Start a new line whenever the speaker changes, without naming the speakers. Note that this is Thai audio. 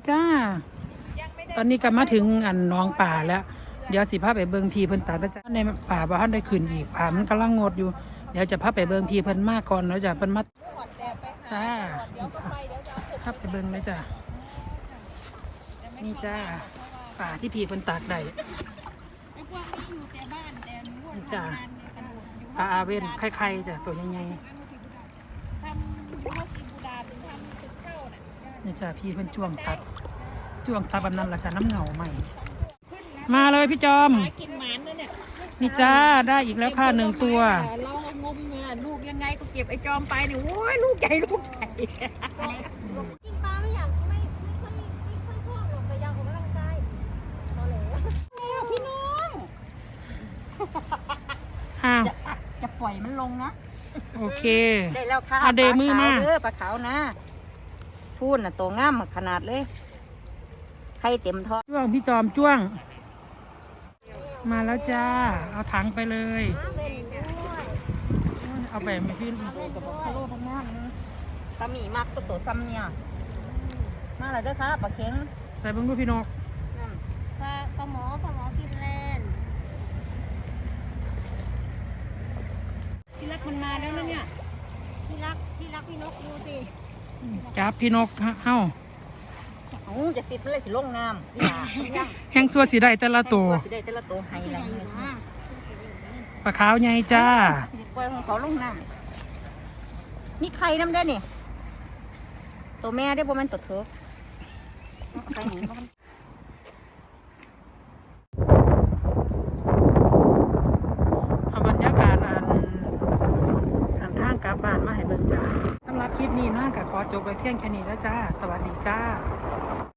จ้าตอนนี้ก็มาถึงอันน้องป่าแล้วเดี๋ยวสิพาไปเบิงพีเพิ่นตัดนะจ้าในป่าบ่ทันได้ขึ้นอีกป่ามันกำลังงดอยู่เดี๋ยวจะพาไปเบิงพีเพิ่นมาก่อนแล้วจ้ะเพิ่นมาจ้าพาไปเบิงเลยจ้านี่จ้าป่าที่พีเพิ่นตัดได้นี่จ้าปลาอาเว่นไข่ๆจ้ะตัวใหญ่ๆนี่จ้าพี่เพิ่นจ้วงตัดแบบนั้นล่ะจ้ะน้ำเหงาใหม่มาเลยพี่จอมกินหมานเลยเนี่ยนี่จ้าได้อีกแล้วค่ะ1 ตัวเรางมเนี่ยลูกยังไงก็เก็บไอ้จอมไปเนี่ยโอ้ยลูกใหญ่กินปลาไม่อยากไม่ค่อยชอบหรอกแต่อยากออกกำลังกายเอาเลยพี่น้องจะปล่อยมันลงนะโอเคได้แล้วค่ะเอาเดมือมาปลาขาวนะพูดน่ะตัวง่ามขนาดเลยไข่เต็มท้องจ้วงพี่จอมจ้วงมาแล้วจ้าเอาถังไปเลยเอาไปไม่พี่กับพะโล้พะง่ามนะสามีมากตัวซ้ำเนี่ยมาเลยด้วยค่ะปลาเค็งใส่เบิ้งด้วยพี่นกปลาหมอกินแลนพี่รักมันมาแล้วนะเนี่ยพี่รักพี่นกดูสิจับพี่นกเอ้าจะสิบเลยสิลงน้ำแห้งซัวสีได้แต่ละตัวให้แล้วปลาขาวใหญ่จ้าปล่อยของเขาลงน้ำมีไข่น้ำได้นี่ตัวแม่ได้บ่แม่นตัวเถิกเอาบรรยากาศอันทางกลับบ้านมาให้เบิ่งจ้าสำหรับคลิปนี้น่าก็ขอจบไปเพียงแค่นี้แล้วจ้าสวัสดีจ้า